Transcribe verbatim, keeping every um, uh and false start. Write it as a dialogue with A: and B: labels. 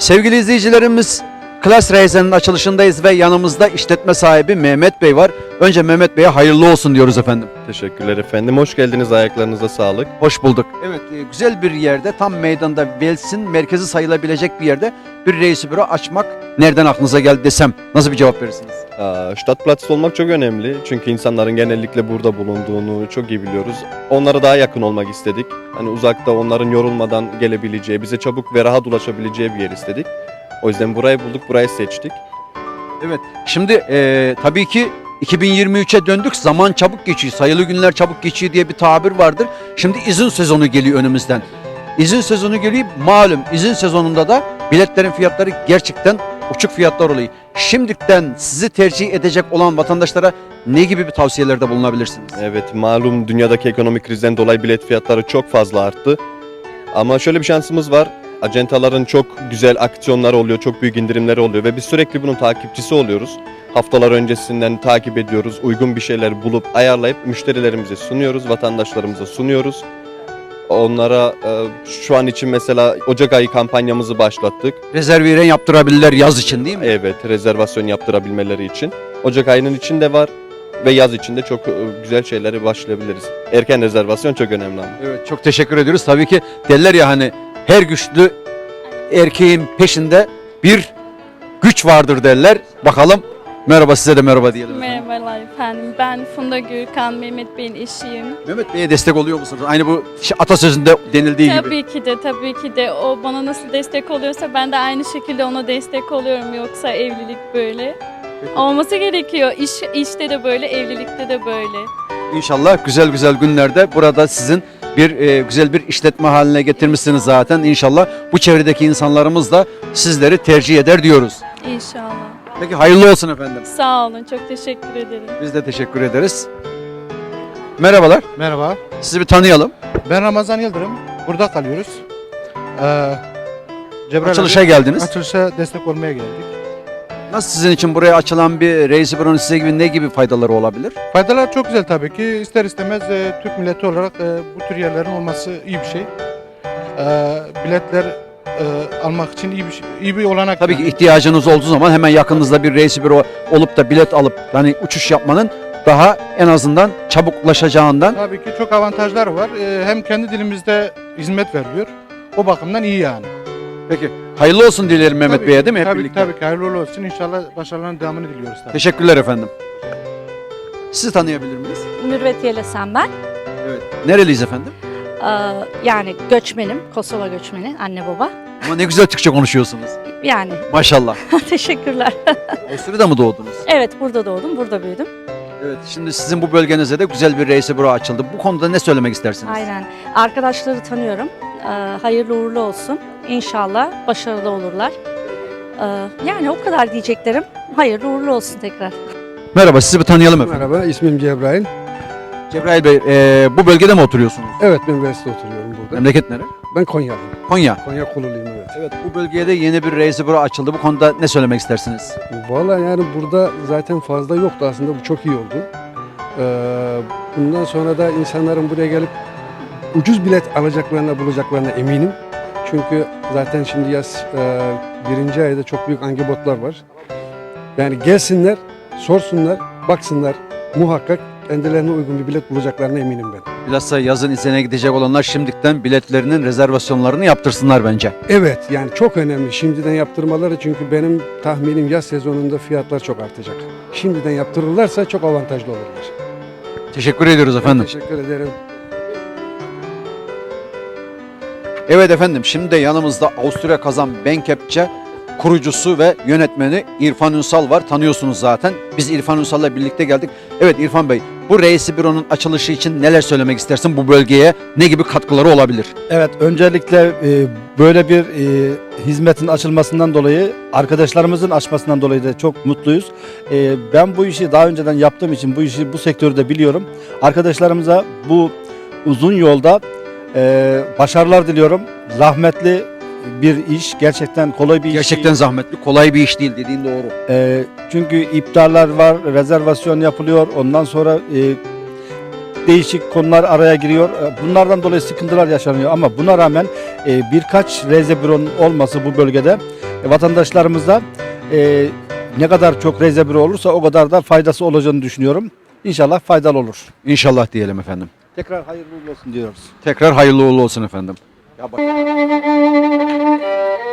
A: Sevgili izleyicilerimiz, Klas Reisen'in açılışındayız ve yanımızda işletme sahibi Mehmet Bey var. Önce Mehmet Bey'e hayırlı olsun diyoruz efendim.
B: Teşekkürler efendim. Hoş geldiniz. Ayaklarınıza sağlık.
A: Hoş bulduk. Evet, e, güzel bir yerde, tam meydanda, Vels'in merkezi sayılabilecek bir yerde bir reisi büro açmak nereden aklınıza geldi desem nasıl bir cevap verirsiniz?
B: Aa, Stadtplatz olmak çok önemli. Çünkü insanların genellikle burada bulunduğunu çok iyi biliyoruz. Onlara daha yakın olmak istedik. Hani uzakta onların yorulmadan gelebileceği, bize çabuk ve rahat ulaşabileceği bir yer istedik. O yüzden burayı bulduk, burayı seçtik.
A: Evet, şimdi e, tabii ki iki bin yirmi üçe döndük, zaman çabuk geçiyor, sayılı günler çabuk geçiyor diye bir tabir vardır. Şimdi izin sezonu geliyor önümüzden. İzin sezonu geliyor, malum izin sezonunda da biletlerin fiyatları gerçekten uçuk fiyatlar oluyor. Şimdiden sizi tercih edecek olan vatandaşlara ne gibi bir tavsiyelerde bulunabilirsiniz?
B: Evet, malum dünyadaki ekonomik krizden dolayı bilet fiyatları çok fazla arttı. Ama şöyle bir şansımız var. Acentaların çok güzel aksiyonları oluyor, çok büyük indirimleri oluyor ve biz sürekli bunun takipçisi oluyoruz. Haftalar öncesinden takip ediyoruz, uygun bir şeyler bulup ayarlayıp müşterilerimize sunuyoruz, vatandaşlarımıza sunuyoruz. Onlara e, şu an için mesela Ocak ayı kampanyamızı başlattık.
A: Rezerviren yaptırabilirler yaz için değil mi?
B: Evet, rezervasyon yaptırabilmeleri için. Ocak ayının içinde var ve yaz içinde çok e, güzel şeylere başlayabiliriz. Erken rezervasyon çok önemli ama.
A: Evet, çok teşekkür ediyoruz. Tabii ki derler ya hani her güçlü erkeğin peşinde bir güç vardır derler. Bakalım, merhaba, size de merhaba diyelim.
C: Merhabalar efendim. Ben Funda Gürkan, Mehmet Bey'in eşiyim.
A: Mehmet Bey'e destek oluyor musunuz? Aynı bu şey, atasözünde denildiği gibi.
C: Tabii ki de, tabii ki de o bana nasıl destek oluyorsa ben de aynı şekilde ona destek oluyorum. Yoksa evlilik böyle olması gerekiyor. İş, işte de böyle, evlilikte de böyle.
A: İnşallah güzel güzel günlerde burada sizin bir e, güzel bir işletme haline getirmişsiniz zaten. İnşallah bu çevredeki insanlarımız da sizleri tercih eder diyoruz.
C: İnşallah.
A: Peki, hayırlı olsun efendim.
C: Sağ olun, çok teşekkür ederim.
A: Biz de teşekkür ederiz. Merhabalar.
D: Merhaba,
A: Sizi bir tanıyalım.
D: ben Ramazan Yıldırım. Burada kalıyoruz. Ee, Cebrail
A: Açılışa
D: abi,
A: geldiniz.
D: Açılışa destek olmaya geldik.
A: Nasıl sizin için buraya açılan bir reisi büronun size gibi ne gibi faydaları olabilir?
D: Faydalar çok güzel tabii ki. İster istemez e, Türk milleti olarak e, bu tür yerlerin olması iyi bir şey. Ee, biletler e, almak için iyi bir şey, iyi bir olanak.
A: Tabii ki
D: yani.
A: ihtiyacınız olduğu zaman hemen yakınınızda bir reisi büro olup da bilet alıp yani uçuş yapmanın daha en azından çabuk ulaşacağından.
D: Tabii ki çok avantajlar var. Ee, hem kendi dilimizde hizmet veriliyor. O bakımdan iyi yani.
A: Peki, hayırlı olsun dilerim Mehmet
D: Tabii
A: Bey'e
D: ki,
A: değil mi hep
D: tabii,
A: birlikte?
D: Tabii ki hayırlı uğurlu olsun. İnşallah başarıların devamını diliyoruz. Tabii.
A: Teşekkürler efendim. Sizi tanıyabilir miyiz?
E: Mürvet Yelesen ben.
A: Evet. Nereliyiz efendim?
E: Ee, yani göçmenim, Kosova göçmeni, anne baba.
A: Ama ne güzel Türkçe konuşuyorsunuz.
E: Yani
A: Maşallah.
E: teşekkürler.
A: Avusturya'da mı doğdunuz?
E: Evet, burada doğdum, burada büyüdüm.
A: Evet. Şimdi sizin bu bölgenizde de güzel bir reisi büro açıldı. Bu konuda ne söylemek istersiniz?
E: Aynen. Arkadaşları tanıyorum. Ee, hayırlı uğurlu olsun. İnşallah başarılı olurlar. Ee, yani o kadar diyeceklerim. Hayırlı uğurlu olsun tekrar.
A: Merhaba, sizi bir tanıyalım efendim.
F: Merhaba, ismim Cebrail.
A: Cebrail Bey, e, bu bölgede mi oturuyorsunuz?
F: Evet, ben Vels'te oturuyorum burada.
A: Memleket nere?
F: Ben Konyalıyım.
A: Konya.
F: Konya Kululuyum, evet.
A: Evet, bu bölgeye de yeni bir reisi büro açıldı. Bu konuda ne söylemek istersiniz?
F: Vallahi yani burada zaten fazla yoktu aslında, bu çok iyi oldu. Ee, bundan sonra da insanların buraya gelip ucuz bilet alacaklarına, bulacaklarına eminim. Çünkü zaten şimdi yaz e, birinci ayda çok büyük angibotlar var. Yani gelsinler, sorsunlar, baksınlar, muhakkak kendilerine uygun bir bilet bulacaklarına eminim ben.
A: Bilhassa yazın izine gidecek olanlar şimdiden biletlerinin rezervasyonlarını yaptırsınlar bence.
F: Evet, yani çok önemli şimdiden yaptırmaları, çünkü benim tahminim yaz sezonunda fiyatlar çok artacak. Şimdiden yaptırırlarsa çok avantajlı olurlar.
A: Teşekkür ediyoruz efendim.
F: Teşekkür ederim.
A: Evet efendim, şimdi de yanımızda Avusturya Kazan Bankepçe kurucusu ve yönetmeni İrfan Ünsal var. Tanıyorsunuz zaten. Biz İrfan Ünsal'la birlikte geldik. Evet İrfan Bey, bu reisi büronun açılışı için neler söylemek istersin? Bu bölgeye ne gibi katkıları olabilir?
G: Evet, öncelikle e, böyle bir e, hizmetin açılmasından dolayı, arkadaşlarımızın açmasından dolayı da çok mutluyuz. E, ben bu işi daha önceden yaptığım için bu işi, bu sektörü de biliyorum. Arkadaşlarımıza bu uzun yolda e, başarılar diliyorum. Zahmetli bir iş, gerçekten kolay bir iş
A: Gerçekten
G: değil.
A: zahmetli, kolay bir iş değil, dediğin doğru.
G: E, çünkü iptaller var, rezervasyon yapılıyor. Ondan sonra e, değişik konular araya giriyor. Bunlardan dolayı sıkıntılar yaşanıyor ama buna rağmen e, birkaç reise büronun olması bu bölgede e, vatandaşlarımıza e, ne kadar çok rezervi olursa o kadar da faydası olacağını düşünüyorum. İnşallah faydalı olur.
A: İnşallah diyelim efendim.
G: Tekrar hayırlı uğurlu olsun diyoruz.
A: Tekrar hayırlı uğurlu olsun efendim. Ya bak.